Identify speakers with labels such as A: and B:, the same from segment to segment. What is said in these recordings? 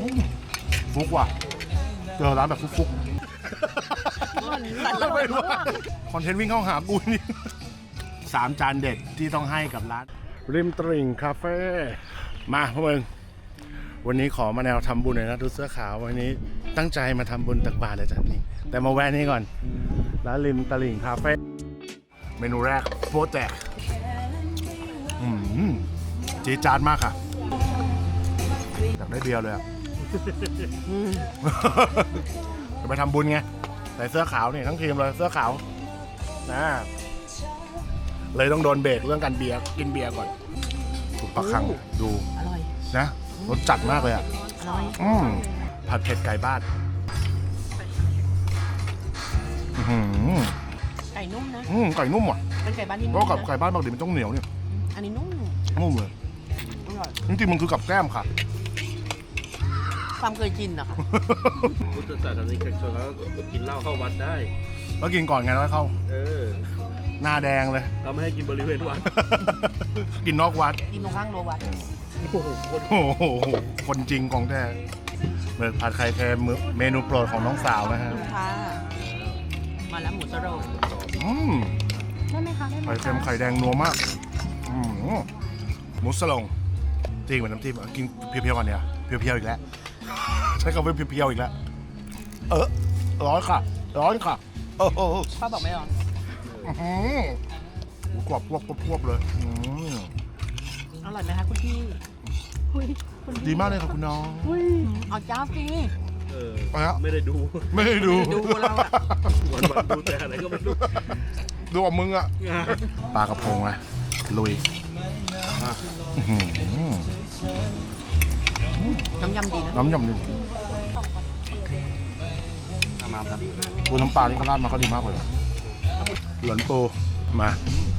A: ฟุกว่ะเจอร้านแบบฟุกไม่รู้คอนเทนต์วิ่งเข้าหากูนี่3 จานเด็ดที่ต้องให้กับร้านริมตลิ่งคาเฟ่มาพวกมึงวันนี้ขอมาแนวทำบุญหน่อยนะดูเสื้อขาววันนี้ตั้งใจมาทำบุญตักบาตรเลยจ้ะนี่แต่มาแวะนี่ก่อนร้านริมตลิ่งคาเฟ่เมนูแรกโป๊ะแตกจี๊ดจ๊าดมากค่ะอยากได้เบียร์เลยอ่ะจะไปทำบุญไงใส่เสื้อขาวนี่ทั้งทีมเลยเสื้อขาวนะเลยต้องโดนเบรกเรื่องการเบียร์กินเบียร์ก่อนถูกปะคังดูอร่อยนะรสจัดมากเลยอ่ะอร่อยผัดเผ็ดไก่บ้าน
B: ไก่นุ่มนะ
A: ไก่นุ่มอ่ะ
B: เป็นไก่บ้านที่นุ่ม
A: เพราะกับไก่บ้านปกติมันต้องเหนียวเนี่ย
B: อันนี้นุ่ม
A: เลยจริงๆมันคือกับแก้มค่ะ
B: ความเคยกินอะค่ะ
C: พุทธศาสนิกชนแล้วกินเหล้าเข้าวัดได้
A: แล้วกินก่อนไงแล้วเข้าหน้าแดงเลย
C: เราไม่ให้กินบริเวณวัด
A: กินนอกวัด
B: กินตรงข้างโลวัด
A: โอ้โหคนจริงของแท้เบิกผัดไข่เค็มเมนูโปรดของน้องสาวนะฮะ
B: ค่ะมาแล้วหมูสโล
A: ได้ไหมคะไข่เค็มไข่แดงนัวมากหมูสโลงจริงเหมือนน้ำจิ้มกินเพียวๆกันเนี่ยเพียวๆอีกแล้วใช้คำว่าเพียวๆอีกแล้วร้อนค่ะ
B: ป้าบอกไม่ร้อน
A: กรอบพวบเลย
B: อร่อยไหมคะคุณพี่
A: ดีมากเลยค่ะคุณน้อง
B: เอาจ้าสิ
C: ไม่ได้ดู
B: แล้วอะ
C: วันดูแต่อะไรก็ไม่รู้
A: ดูกับมึงอะปลากระพงนะลุย
B: น้ำยำดีนะ
A: น้ำยำดีปูน้ำปลาที่เขาราดมาก็ดีมากเลยหลนปูมา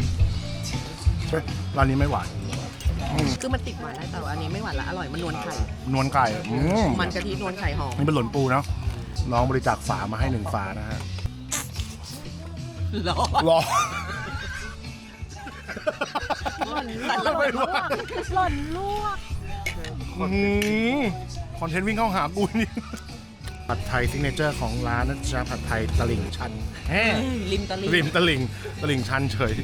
A: ร้านนี้ไม่หวาน
B: คือมันติดหวานได้แต่ว่าอันนี้ไม่หวานละอร่อยมันนวลไข่มันกะทินวลไข่หอม
A: นี่เป็นหลนปูนะน้องบริจาคฝามาให้1 ฝานะฮะ
B: รอ
A: หล่
B: นลวก
A: คอนเทนต์วิ่งเข้าหากูนี่ผัดไทยซิกเนเจอร์ของร้านนะจ๊ะผัดไทยตลิ่งชัน
B: ริมต
A: ลิ่งชันเฉย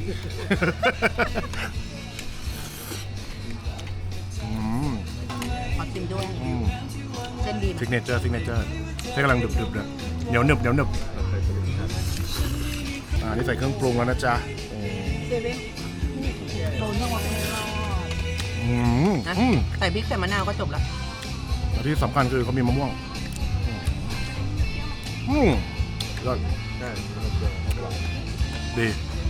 B: ขอชิมด้วยเส้นดี
A: ซิกเนเจอร์เส้นกำลังดึบเลยเหนียวหนึบนี่ใส่เครื่องปรุงแล้วนะจ๊ะ
B: เซเว่นโดนทั้งวันใส่พริกใส่มะนาวก็จบละ
A: ที่สำคัญคือเขามีมะม่วงยอดดี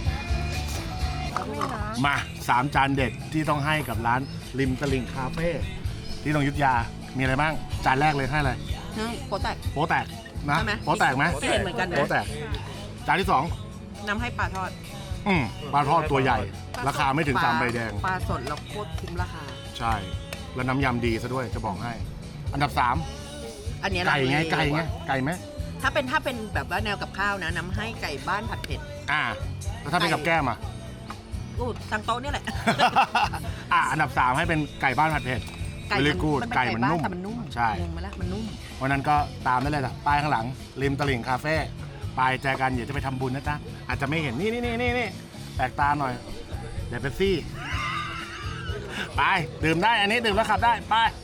A: มา3 จานเด็ดที่ต้องให้กับร้านริมตลิ่งคาเฟ่ที่ตรงอยุธยามีอะไรบ้างจานแรกเลยให้อะไร
B: โป๊ะแตก
A: นะโป๊ะแตกไหม
B: เห็นเหมือนกันนะ
A: โป๊ะแตกจานที่2
B: น้ำให้ปลาทอด
A: ปลาทอดตัวใหญ่ราคาไม่ถึง3 ใบแดง
B: ปลาสดแล้วโคตรคุ้มราคา
A: ใช่แล้วน้ำยำดีซะด้วยจะบอกให้อันดับ3
B: อันนี้
A: ไก่ไหม
B: ถ้าเป็นแบบว่าแนวกับข้าวนะน้ำให้ไก่บ้านผัดเผ็ด
A: แล้วถ้าเป็นกับแก้ม
B: ทางโต๊ะนี่แหละ
A: อันดับ3ให้เป็นไก่บ้านผัดเผ็ดไก่มันนุ่มใช่
B: มันนุ่ม
A: วันนั้นก็ตามได้เลยล่ะป้ายข้างหลังริมตลิ่งคาเฟ่ไปแจกันอย่าจะไปทำบุญนะจ๊ะอาจจะไม่เห็นนี่แปลกตาหน่อยเดี๋ยวเป็นซี่ไปดื่มได้อันนี้ดื่มแล้วขับได้ไป